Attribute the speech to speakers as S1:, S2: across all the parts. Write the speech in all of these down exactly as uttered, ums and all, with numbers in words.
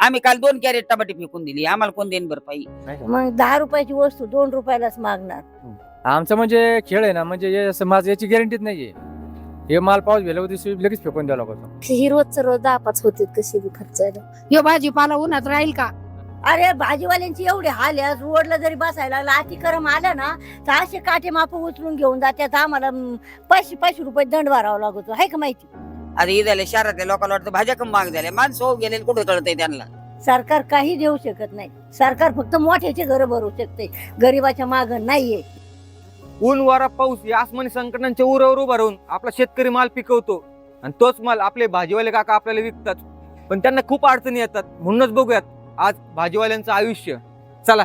S1: आम्ही काल दोन कॅरेट टमाटे फेकून दिली, आम्हाला कोण देईन भरपाई?
S2: मग दहा रुपयाची वस्तू दोन रुपयालाच मागणार.
S3: आमचं म्हणजे खेळ आहे ना, म्हणजे हे असं माझं याची गॅरंटीच नाहीये. हे माल पाऊस गेला होती लगेच फेकून द्यावं लागतो.
S4: ही रोजचं रोज दहा पाच होते कशी बी खर्चायला.
S5: हे भाजीपाला उन्हात राहील का?
S2: अरे भाजीवाल्यांची एवढे हाल आहे, रोडला जरी बसायला लागला अतिक्रम आला ना तर असे काटे माप उचलून घेऊन जातात. आम्हाला म, पाचशे पाचशे रुपये दंड भरावा लागतो, आहे का माहिती?
S1: आता हे झाले शहरातल्या लोकांना वाटतं भाज्या कमी महाग झाल्या, माणसं हो गेले कुठे कळतंय त्यांना?
S2: सरकार काही देऊ शकत नाही. सरकार फक्त मोठ्याचे घर भरू शकते, गरीबाच्या माग नाहीये.
S6: ऊन वारा पाऊस या आसमानी संकटांच्या उरावर उभा राहून आपला शेतकरी माल पिकवतो आणि तोच माल आपले भाजीवाले काका आपल्याला विकतात, पण त्यांना खूप अडचणी येतात. म्हणूनच बघूयात आज भाजीवाल्यांचं आयुष्य. चला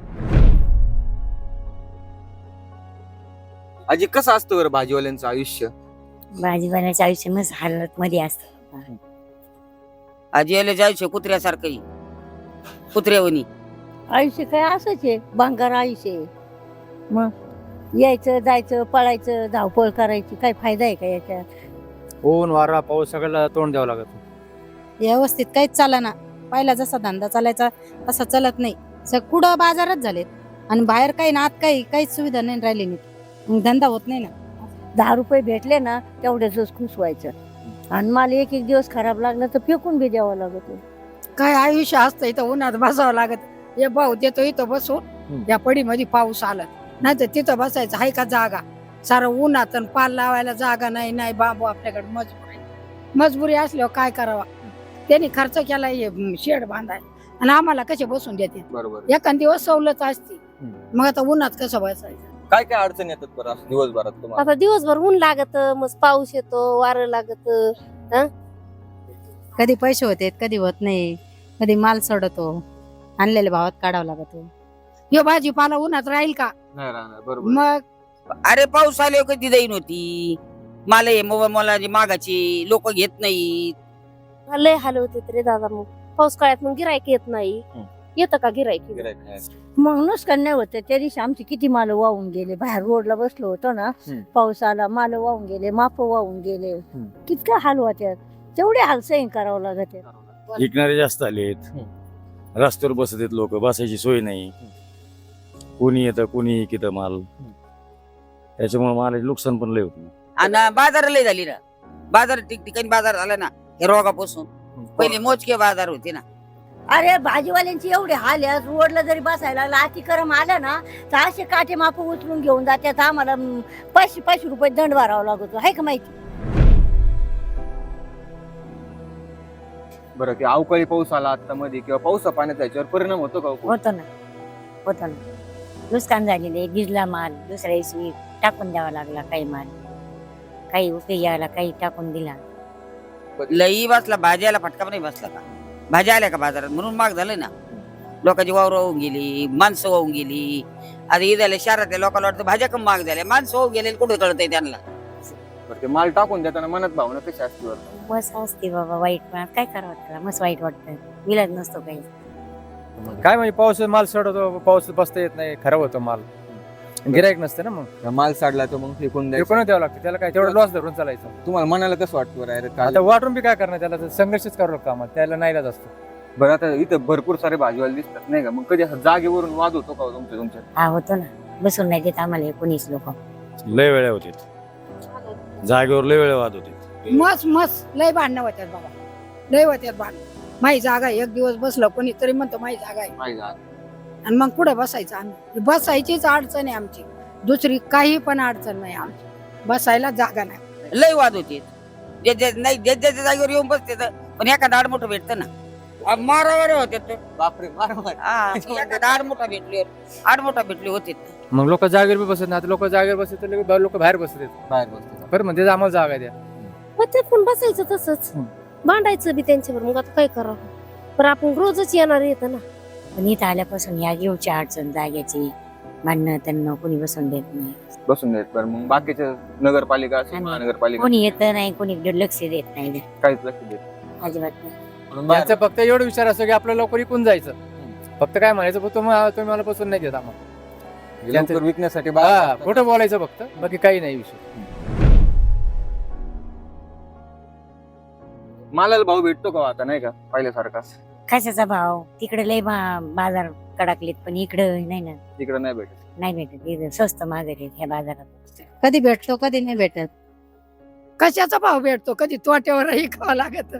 S6: आजी, कसं असतं बरं भाजीवाल्यांचं आयुष्य?
S7: भाजीपाल्याचं आयुष्य मस्त हालत मध्ये असतं.
S1: आजीला जायचं कुत्र्यासारखं, कुत्र्यावनी
S2: आयुष्य काय असंच आहे, भांगार आयुष्य आहे. मग यायचं जायचं पळायचं धावपळ करायची, काय फायदा आहे का याच्यात?
S3: ऊन वारा पाऊस सगळ्याला तोंड द्यावं लागत.
S5: व्यवस्थित काहीच चालना. पहिला जसा धंदा चालायचा तसा चालत नाही. सग कुठं बाजारात झालेत आणि बाहेर काही ना आत काही काहीच सुविधा नाही राहिली नीट, मग धंदा होत नाही ना.
S2: दहा रुपये भेटले ना तेवढ्याच खुश व्हायचं, आणि मला एक एक दिवस खराब लागला तर फेकून बी द्यावं लागत.
S5: काय आयुष्य असतं, इथं उन्हात बसावं लागत. हे भाऊ देतो इथं बसून, या पडीमध्ये पाऊस आला नाही तर तिथं बसायचं आहे का जागा? सारं उन्हात आणि पाल लावायला जागा नाही. नाही बाबू आपल्याकडे मजबुरी मजबुरी असल्यावर काय करावा? त्यांनी खर्च केला शेड बांधाय आणि आम्हाला कसे बसून देते?
S6: बरोबर.
S5: एखाद दिवस सवलत असती, मग आता उन्हात कसं बसायचं?
S6: काय काय अडचणी येतात बरं असं दिवसभरात तुम्हाला?
S4: आता दिवसभर ऊन लागत, मग पाऊस येतो, वारं लागत.
S5: कधी पैसे होते कधी होत नाही, कधी माल सोडतो, आणलेल्या भावात काढावा लागतो. हे भाजीपाला उन्हात राहील का?
S6: नाही राहणार. बरोबर.
S5: मग
S1: अरे पाऊस आल्यावर कधी देईन होती मला? हे मोबाईल मला मागाची लोक घेत नाहीत.
S4: लय हाल होते रे दादा. मग पाऊस काळात मग गिरायक येत नाही. येतं का गिरायक?
S6: गिऱ्हाईक नाही.
S2: मग नुकसान नाही होतं. त्या दिवशी आमचे किती माल वाहून गेले, बाहेर रोडला बसलो होतो ना, पाऊस आला माल वाहून गेले, माप वाहून गेले. कितका हाल होत्यात, तेवढे हाल सहन करावं लागत.
S8: विकणारे जास्त आलेत, रस्त्यावर बसत आहेत लोक, बसायची सोय नाही. कोणी येतं कोणी किती माल, त्याच्यामुळे मालाचे नुकसान पण लय होत.
S1: आणि बाजार लय झाली ना, बाजार ठिकठिकाणी बाजार झाला ना हे रोगापासून. पहिले मोजके बाजार होते ना.
S2: अरे भाजीवाल्यांची एवढे हाल आहे, रोडला जरी बसायला लागला अतिक्रम आला ना तर असे काटे माप उचलून घेऊन जातात. आम्हाला म, पाचशे पाचशे रुपये दंड भरावा लागतो, आहे का माहिती?
S6: बरं, की अवकाळी पाऊस आला आता मध्ये किंवा पावसा पाण्याचा याच्यावर परिणाम होतो का?
S7: होतं ना होतं ना नुकसान झालेले. भिजला माल दुसऱ्या दिवशी टाकून द्यावा लागला, काही माल काही उपयोगी आला, काही टाकून दिला.
S1: लई बसला, भाज्याला फटका नाही बसला का? भाज्या आल्या का बाजारात म्हणून महाग झालं ना. लोकांची वावर वाहून गेली, माणसं वाहून गेली. आता हे झाले शहरातल्या लोकांना वाटतं भाज्या कमी महाग झाल्या, माणसं वाहून गेले कुठे कळतंय त्यांना?
S6: बरं, ते माल टाकून देताना मनात भावना कशी असते बरं?
S7: मस्त असते बाबा, वाईट पण काय करावं त्याला, मस्त वाईट वाटतं, विलाज नसतो काही.
S3: काय म्हणजे पाऊस माल सोडतो, पाऊस बसता येत नाही, खराब होतो माल, गिरायक नसतं ना. मग
S6: माल साडला तर मग फेकून द्यायचं.
S3: फेकून द्यावं लागतं त्याला, काय तेवढं लॉस धरून चालायचं.
S6: तुम्हाला मनाला कसं वाटतं बरं? अरे काय
S3: आता वाटून बी काय करणार, त्याला तर संघर्षच करावं लागतं आम्हाला, त्याला नाईलाज असतो.
S6: बरं, आता इथं भरपूर सारे भाजीवाले दिसतात नाही का, मग कधी असं जागेवरून वाद होतो का तुमच्या तुमच्या?
S7: हा होतो ना, बसून नाही देत आम्हाला कोणीच लोक.
S8: लय वेळा होते जागेवर, लय वेळा वाद होते.
S5: मस्त मस्त लय भांडणं होत्यात बाबा, लय होत्यात भांडणं. माही जागा आहे, एक दिवस बसलं कोणी तरी म्हणतो माही जागा आहे,
S6: माहिती आहे.
S5: आणि मग कुठे बसायचं आम्ही? बसायचीच अडचण आहे आमची, दुसरी काही पण अडचण नाही आमची, बसायला जागा नाही.
S1: लय वाद होते. जे जे नाही जे ज्याच्या जागेवर येऊन बसते तर, पण एखादा आड मोठं भेटतं ना, मारावर होते तर.
S6: बापरे, मार मार.
S1: हा, एखादा आड मोठा भेटले, आड मोठा भेटले होते.
S3: मग लोक जागेवर बी बसत नाही. आता लोक जागेवर बसत तर लोक बाहेर बसत आहेत.
S6: बाहेर बसते.
S3: बरं म्हणजे आम्हाला जागा द्या.
S4: मग ते पण बसायचं तसंच, भांडायचं बी त्यांच्यावर. मग आता काय करावं? पण आपण रोजच येणार येतं ना.
S7: पण इथं आल्यापासून या घेऊची अडचण, जाग्याची भांडणं त्यांना कोणी बसून देत नाही.
S6: बसून देत. बरं, मग बाकीच्या नगरपालिका असेल,
S7: आणि
S6: महानगरपालिका
S7: कोणी येत नाही, कोणी लक्ष देत नाही,
S6: काहीच लक्ष देत
S7: अजिबात नाही.
S6: म्हणून बाहेर-
S3: त्यांचा फक्त एवढा विचार असतो की आपलं लवकर विकून जायचं. फक्त काय म्हणायचं, फक्त तुम्ही तुम्ही मला बसून नाही देत आम्हाला,
S6: लवकर विकण्यासाठी
S3: हा
S6: बाहेर-
S3: खोटं बोलायचं फक्त, बाकी काही नाही विषय.
S6: मालाला भाव भेटतो का आता? नाही का पहिल्यासारखा?
S7: कशाचा भाव तिकडे लय बा- बाजार कडाकलेत पण इकडं नाही ना,
S6: तिकडे नाही भेटत.
S7: नाही भेटत. इथं स्वस्त मागत आहेत ह्या बाजारात.
S2: कधी भेटतो कधी नाही भेटत.
S5: कशाचा भाव भेटतो कधी तोट्यावरही खावं लागत.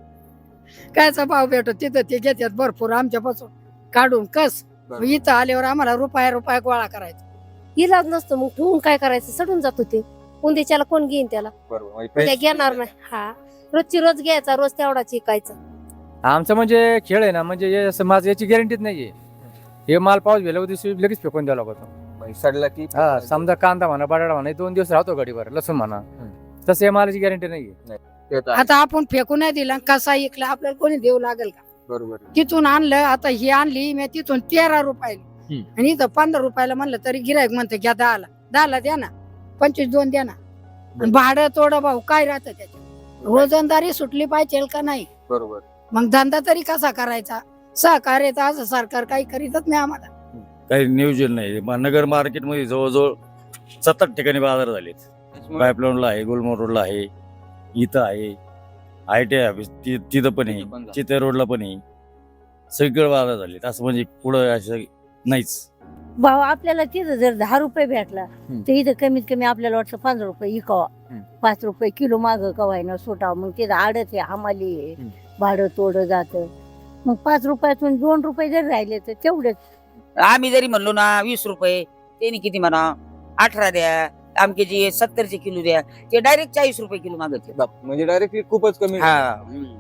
S5: कायचा भाव भेटतो तिथं ते घेतात भरपूर आमच्यापासून काढून कस.
S6: बरोबर.
S5: इथं आल्यावर आम्हाला रुपया रुपया गोळा करायचा.
S4: इलाज नसतो मग ठेवून काय करायचं, सडून जातो ते. उंदेच्याला कोण घेईन त्याला,
S6: बरोबर म्हणजे
S4: उद्या
S6: पैसे-
S4: घेणार नाही. हा रोजची रोज घ्यायचा, रोज तेवढाच विकायचा.
S3: आमचं म्हणजे खेळ आहे ना, म्हणजे हे असं माझं याची गॅरंटीच नाहीये. हे माल पाऊस गेल्या दिवशी लगेच फेकून द्यावा लागतो.
S6: म्हणजे सडला की
S3: हा समजा कांदा म्हणा, बटाटा म्हणा, हे दोन दिवस राहतो गाडीवर, लसूण म्हणा, तसं हे मालाची गॅरंटी नाहीये.
S6: ते तर आहे.
S5: आता आपण फेकून नाही दिला कसा ऐकला आपल्याला कोणी देऊ लागेल का.
S6: बरोबर.
S5: तिथून आणलं आता ही आणली मी तिथून तेरा रुपयाला आणि इथं पंधरा रुपयाला म्हणलं तरी गिरायक म्हणतं घ्या दहाला दहाला द्या ना, पंचवीस दोन द्या ना. आणि भाडं तोडं भाऊ काय राहतं त्याच्यात. रोजंदारी सुटली पाहिजे का नाही.
S6: बरोबर.
S5: मग धंदा तरी कसा करायचा. सहकार्य तर असं सरकार काही करीतच नाही आम्हाला.
S8: काही नियोजन नाही. म- नगर मार्केटमध्ये जवळजवळ सात आठ ठिकाणी बाजार झालेत. पाईपलाईनला आहे, गुलमोहर रोडला आहे, इथं आहे, आय टी आय ऑफिस ति- तिथं पण आहे,
S6: तिथं पण झालं.
S8: चित्ते रोडला पण आहे. सगळीकडे बाजार झालेत. असं म्हणजे पुढं असं नाहीच.
S2: भाव आपल्याला तिथं जर दहा रुपये भेटला तर इथं कमीत कमी आपल्याला वाटतं पंधरा रुपये इकावा.
S6: हम्म.
S2: पाच रुपये किलो माग कवायनं सुटावं. मग तिथं आडत आहे हमाली आहे,
S6: हम्म.
S2: भाडं तोडं जातं. मग पाच रुपयातून दोन रुपये जर राहिले तर तेवढेच.
S1: आम्ही जरी म्हणलो ना वीस रुपये, त्यांनी किती म्हणा अठरा द्या, आमकेची सत्तरचे किलो द्या, ते डायरेक्ट चाळीस रुपये किलो मागत
S6: बाप, म्हणजे डायरेक्टली खूपच कमी.
S1: हा.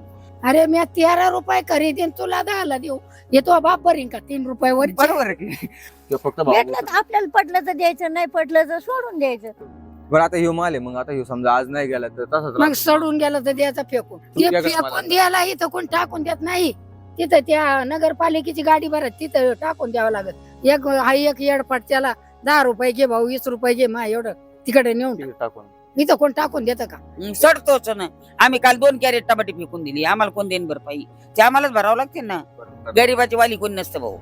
S5: अरे मी तेरा रुपये खरेदीन तुला दहाला देऊ येतो बाप बरीन का तीन रुपये वर.
S6: बरोबर आहे की तो फक्त भाव
S2: भेटलं
S6: बोलतो.
S2: तर आपल्याला पटलं तर द्यायचं, नाही पटलं तर सोडून द्यायचं.
S6: बरं आता ह्यो माल आहे, मग आता ह्यो समजा आज नाही गेला तर तसंच
S5: मग
S6: राहतो.
S5: सोडून गेलं तर द्यायचं फेकून. ते
S6: तुमच्याकडे मला-
S5: फेकून द्यायला इथं कोण टाकून देत नाही. तिथं त्या नगरपालिकेची गाडी भरत तिथं टाकून द्यावं लागत. एक हा एक येडपट त्याला दहा रुपये घे भाऊ, वीस रुपये घे मा एवढं तिकडे नेऊन टाक.
S6: टाकून
S5: इथं कोण टाकून देतं का.
S1: हम्म, सडतोच ना. आम्ही काल दोन कॅरेट टमाटे फेकून दिली, आम्हाला कोण देईन भरपाई. ते आम्हालाच भरावं लागते ना.
S6: बरोबर.
S1: गरीबाची वाली कोण नसतं भाऊ.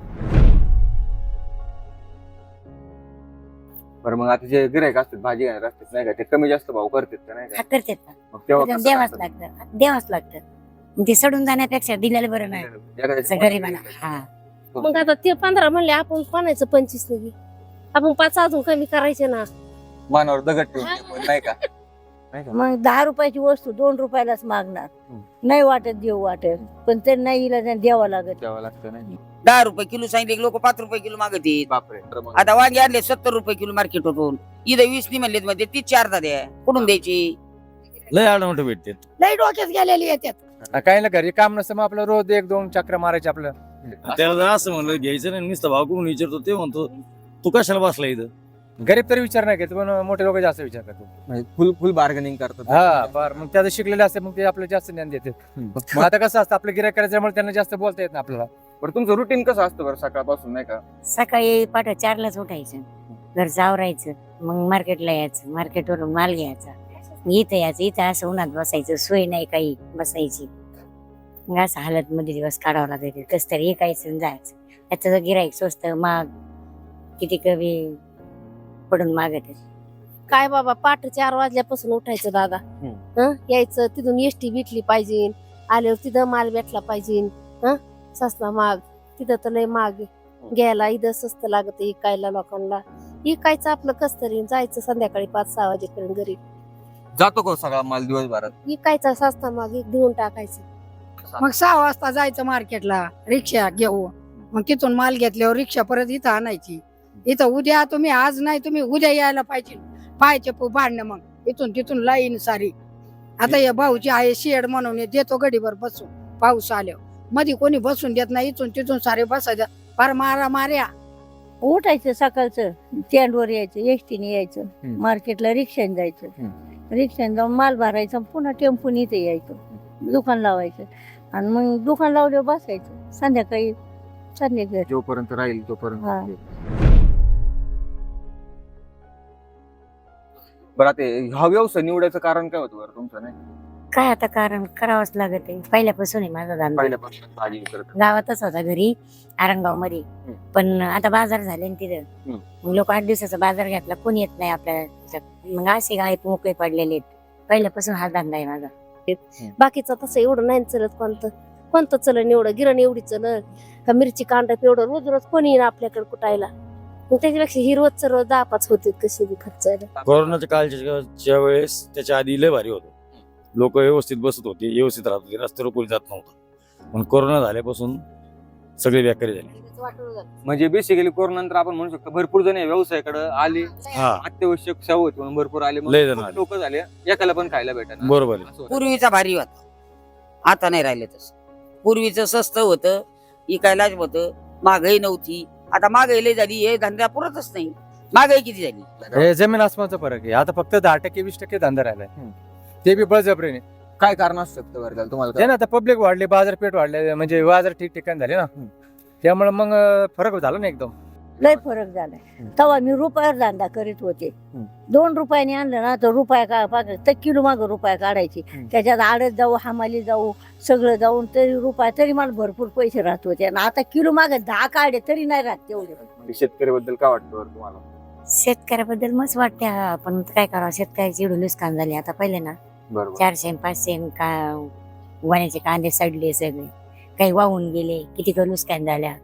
S6: बरं मग आता जे गिरायक असतात भाजी घेणार असतात नाही का, ते कमी जास्त भाव करतात का नाही
S7: हा
S6: का,
S7: करतात ना,
S6: मग तेव्हा
S7: पण
S6: कसं
S7: द्यावाच
S6: करतात?
S7: लागतं द्यावाच लागतं. मग ते सडून जाण्यापेक्षा दिलेलं बरं नाही.
S6: एखाद्याची
S7: असं गरीबाला. हा
S4: मग आता ते पंधरा म्हणले आपण पाण्याचं पंचवीस नाही, आपण पाच अजून कमी करायचे ना.
S6: मानावर दगड ठेवून ते पण नाही का, नाही का.
S2: मग दहा रुपयाची वस्तू दोन रुपयालाच मागणार.
S6: हम्म.
S2: नाही वाटत देऊ वाटत, पण ते नाही इला द्यावं लागत.
S6: द्यावं लागतं नाही.
S1: दहा रुपये किलो सांगितले लोक पाच रुपये किलो मागत आहेत.
S6: बापरे. तर मग
S1: आता वांगे आणले सत्तर रुपये किलो मार्केट होतून, इथं वीस नाही म्हणले म्हणजे ती चारदा द्या, कुठून द्यायची.
S8: लय आडमोठ भेटतात.
S5: लई डोक्यात गेलेली येतात.
S3: काही ना घरी काम नसतं मग आपलं रोज एक दोन चक्र मारायचे आपलं.
S8: त्याला जर असं म्हणलं घ्यायचं नाही, नुसतं भाव करून विचारतो, ते म्हणतो तू कशाला बसला इथं.
S3: गरीब तरी विचार नाही घेत, पण मोठे लोक जास्त विचार करतात.
S6: म्हणजे फुल फुल बार्गेनिंग करतात.
S3: हा फार मग त्याचं शिकलेले असते, मग ते आपलं जास्त ज्ञान देतात. मग आता कसं असतं आपलं गिरायक करायच्यामुळे त्यांना जास्त बोलता येत नाही आपल्याला.
S6: बरं तुमचं रुटीन कसं असतं बरं सकाळपासून नाही का.
S7: सकाळी पाठ चारलाच उठायचं, घरचं आवरायचं, मग मार्केटला यायचं, मार्केटवरून माल घ्यायचा, मग इथं यायचं. इथं असं उन्हात बसायचं, सोय नाही काही बसायची. मग असं हालत मध्ये दिवस काढावं लागायचं. कस तरी एकायचं आणि जायचं. त्याचं गिराईक स्वस्त माग किती कमी पडून मागत आहे.
S4: काय बाबा पाठ चार वाजल्यापासून उठायचं दादा. हं यायचं तिथून एसटी भेटली पाहिजे, आल्यावर तिथं माल भेटला पाहिजे. हं सस्ता माग तिथं तर लय माग आहे. घ्यायला इथं स्वस्त लागत इकायला लोकांना. इकायचं आपलं कस तरी जायचं संध्याकाळी पाच सहा वाजेपर्यंत घरी.
S6: जातो का सगळा माल दिवसभरात.
S4: इकायचा सस्ता माग एक देऊन टाकायचं.
S5: मग सहा वाजता जायचं मार्केटला रिक्षा घेऊ. मग तिथून माल घेतल्यावर रिक्षा परत इथं आणायची. इथं उद्या तुम्ही आज नाही तुम्ही उद्या यायला पाहिजे. पाहायचे भांडणं मग इथून तिथून लाईन सारी. आता या भाऊची आहे शेड म्हणून हे देतो गडीवर बसून पाऊस आल्यावर. मध्ये कोणी बसून देत नाही, इथून तिथून सारे बसायचं फार मारा मार्या.
S2: उठायचं सकाळचं, स्टँडवर यायचं, एसटीने यायचं,
S6: हम्म.
S2: मार्केटला रिक्षाने जायचं, रिक्षाने जाऊन माल भरायचा, पुन्हा टेम्पून इथे यायचं, दुकान लावायचं आणि मग दुकान लावल्यावर बसायचं. संध्याकाळी संध्याकाळी
S6: जोपर्यंत राहील
S2: हा.
S6: तोपर्यंत. बरं आता हा व्यवसाय निवडायचं कारण काय होतं बरं तुमचं नाही.
S7: काय आता कारण करावंच लागत आहे. पहिल्यापासून आहे माझा धंदा.
S6: पहिल्यापासून भाजी करत.
S7: गावातच होता घरी आरंगाव मध्ये,
S6: हम्म.
S7: पण आता बाजार झाले ना तिथं.
S6: हम्म.
S7: मग लोक आठ दिवसाचा बाजार घेतला, कोणी येत नाही आपल्या ह्याच्यात. मग असे गाय मोकळे पडलेले आहेत. पहिल्यापासून हा धंदा आहे माझा.
S4: बाकीचं तसं एवढं नाही चालत कोणतं. कोणतं चलन एवढं, गिरण एवढी चलन का मिरची कांदा एवढं, रोज रोज कोणी येईन आपल्याकडे कुटायला. मग त्याच्यापेक्षा ही रोजचं रोज दहा पाच होते कशी बी खर्च.
S8: कोरोनाच्या काळच्या वेळेस त्याच्या आधी लय भारी होतं. लोक व्यवस्थित बसत होते, व्यवस्थित राहत होते, रस्त्यावर कोणी जात नव्हतं. पण कोरोना झाल्यापासून सगळे बेकारी झाले.
S6: म्हणजे बेसिकली कोरोना नंतर आपण म्हणू शकतो भरपूर जण या व्यवसायाकडे आले,
S8: हा
S6: अत्यावश्यक सेवा होती म्हणून भरपूर आले,
S8: लय जण आले.
S6: लोक झाले, एकाला पण खायला भेटणार.
S8: बरोबर आहे.
S1: पूर्वीचा भारी होता, आता नाही राहिले तसं. पूर्वीचं स्वस्त होतं, इकायलाच होतं, महागाई नव्हती. आता महागाई लय झाली, हे धंदा पुरतच नाही. महागाई किती झाली?
S3: हे जमीन आसमानचा फरक आहे. आता फक्त दहा टक्के वीस टक्के धंदा राहिलाय, ते बी बळजबरीने.
S6: काय कारण असू शकतं बरं त्याला तुम्हाला
S3: ते
S6: काय?
S3: ना आता पब्लिक वाढली, बाजारपेठ वाढले, म्हणजे बाजार ठिकठिकाणी झाले ना, त्यामुळे मग अं, फरक झाला ना एकदम.
S2: लय फरक झालाय. तेव्हा मी रुपयावर धंदा करीत होते. दोन रुपयाने आणलं ना तर रुपया का पाक- तर किलो माग रुपया काढायची. त्याच्यात आडत जाऊ, हमाली जाऊ, सगळं जाऊन तरी रुपया, तरी मला भरपूर पैसे राहत होते. आणि आता किलो माग दहा काढे तरी नाही राहत तेवढे.
S6: शेतकरी बद्दल काय वाटतं बरं तुम्हाला?
S7: शेतकऱ्याबद्दल मस्त वाटते हा, पण काय करावं, शेतकऱ्याची एवढं नुकसान झाले. आता पहिले ना
S6: बरोबर.
S7: चारशे आणि पाचशे आणि का वाण्याचे कांदे सडले सगळे, काही वाहून गेले, किती का नुकसान झाल्या.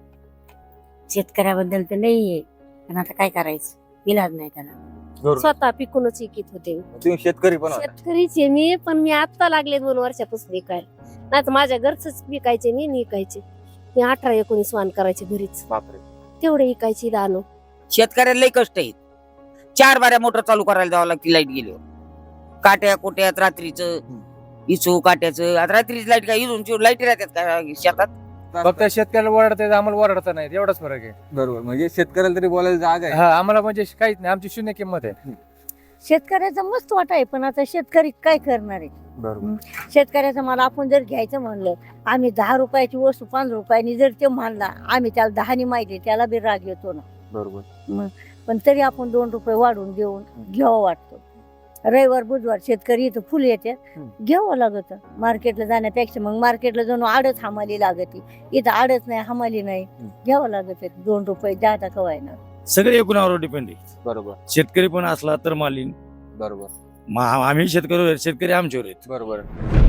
S7: शेतकऱ्याबद्दल तर नाही आहे, पण आता काय करायचं, इलाज नाही त्याला.
S6: बरोबर.
S4: स्वतः पिकूनच विकत होते.
S6: तुम्ही शेतकरी पण होता.
S4: शेतकरीचे मी, पण मी आता लागले दोन वर्षापासून विकायला. नाही तर माझ्या घरच विकायचे मी, विकायचे मी अठरा एकोणीस वाण करायचे घरीच,
S6: बापरे.
S4: तेवढे विकायची दानो.
S1: शेतकऱ्याला लय कष्ट आहेत. चार बाऱ्या मोटर चालू करायला जावं लागते लाईट गेल्यावर. काट्या कोट्यात रात्रीचं इचू काट्याचं. आता रात्रीची लाईट काय इथून लाईट राहतात का शेतात?
S3: फक्त शेतकऱ्याला ओरडता आम्हाला ओरडता नाही, एवढाच फरक आहे.
S6: बरोबर. म्हणजे शेतकऱ्याला तरी बोलायला जागा आहे.
S3: हा, आम्हाला म्हणजे काहीच नाही, आमची शून्य किंमत आहे.
S2: शेतकऱ्याचा मस्त वाटा आहे, पण आता शेतकरी काय करणार आहे?
S6: बरोबर.
S2: शेतकऱ्याचा माल आपण जर घ्यायचं म्हणलं, आम्ही दहा रुपयाची वस्तू पाच रुपयानी जर ते मानला, आम्ही त्याला दहानी माहिती, त्याला बी राग येतो ना.
S6: बरोबर.
S2: पण तरी आपण दोन रुपये वाढून देऊन घ्यावं वाटतो. रविवार बुधवार शेतकरी इथं फुल येते, घ्यावं लागत मार्केटला जाण्यापेक्षा. मग मार्केटला जाऊन आडच हमाली लागते, इथं आडच नाही, हमाली नाही, घ्यावं लागत. दोन रुपये जाता कवाय ना.
S8: सगळे एकूणावर डिपेंड आहे.
S6: बरोबर.
S8: शेतकरी पण असला तर मालीन.
S6: बरोबर.
S8: मा- आम्ही शेतकरी, शेतकरी आमच्यावर आहेत.
S6: बरोबर.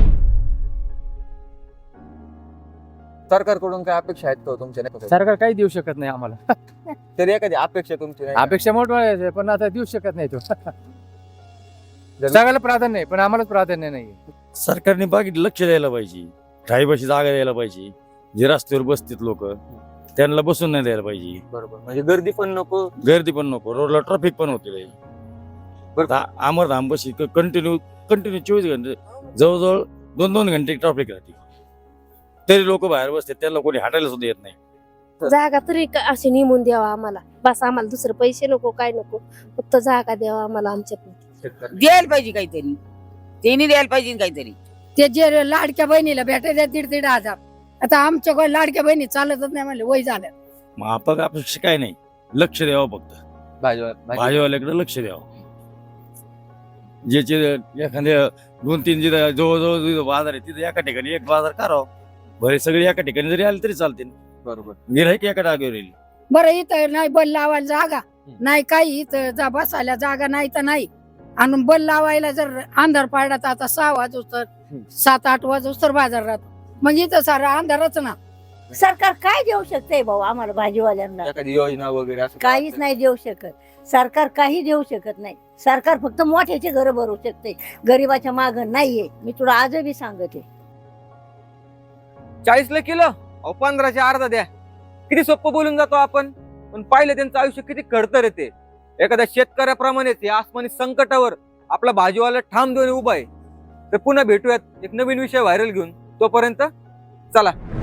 S6: सरकारकडून काय अपेक्षा आहेत का तुमच्या? नाही
S3: सरकार काही देऊ शकत नाही आम्हाला.
S6: तरी एखादी अपेक्षा तुमची नाही का?
S3: अपेक्षा मोठमोठ्या, पण आता देऊ शकत नाही तो. सगळ्याला प्राधान्य आहे, पण आम्हालाच प्राधान्य नाही.
S8: सरकारने बाकी लक्ष द्यायला पाहिजे. राहीबाशी जागा द्यायला पाहिजे. जे रस्त्यावर बसतात लोक, त्यांना बसून नाही द्यायला पाहिजे.
S6: बरोबर. म्हणजे गर्दी पण नको,
S8: गर्दी पण नको, रोडला ट्रॅफिक पण होते. अमरधाम बशी कंटिन्यू कंटिन्यू चोवीस घंटे जवळजवळ दोन दोन घंटे ट्रॅफिक राहते, तरी लोक बाहेर बसतात, त्यांना कोणी हटायला सुद्धा येत नाही.
S4: जागा तरी का- अशी नेमून द्यावा आम्हाला, बस. आम्हाला दुसरं पैसे नको, काय नको, फक्त जागा द्यावा आम्हाला आमच्या.
S1: द्यायला पाहिजे काहीतरी, त्यांनी द्यायला पाहिजे काहीतरी.
S5: ते जे लाडक्या बहिणीला भेटायचे दीड दीड हजार, आता आमच्या कोण लाडक्या बहिणी चालतच नाही म्हणले, वय झालं.
S8: मग आपण अपेक्षा काय नाही, लक्ष द्यावं फक्त.
S6: भाजीवाला
S8: भाजीवाल्याकडे लक्ष द्यावं. ज्याचे एखाद्या दोन तीन जिथं जवळजवळ जिथं बाजार आहे तिथे एका ठिकाणी एक बाजार करावं. बरे सगळे एका ठिकाणी जरी आले तरी चालते.
S6: बरोबर.
S8: गिऱ्हाईक एका जागेवर येईल.
S5: बरं इथं नाही बल लावायला जागा नाही, काही इथं जा बसायला जागा नाही तर नाही. आणि बल लावायला जर अंधार पाडला तर आता सहा वाजू तर सात आठ वाजू तर बाजार राहतो, मग इथं सारा अंधारच ना.
S2: सरकार काय देऊ शकते भाऊ आम्हाला भाजीवाल्यांना?
S6: एखादी योजना वगैरे असं
S2: काहीच नाही देऊ शकत. सरकार काही देऊ शकत नाही. सरकार फक्त मोठ्याचे घर भरू शकते, गरीबाच्या माग नाहीये. मी तुला आजही सांगते.
S6: चाळीसला किलो, अहो पंधराशे अर्धा द्या. किती सोपं बोलून जातो आपण, पण पाहिलं त्यांचं आयुष्य किती खडतर येते. एखाद्या शेतकऱ्याप्रमाणेच या आसमानी संकटावर आपला भाजीवाला ठाम देऊन उभा आहे. तर पुन्हा भेटूयात एक नवीन विषय व्हायरल घेऊन. तोपर्यंत चला.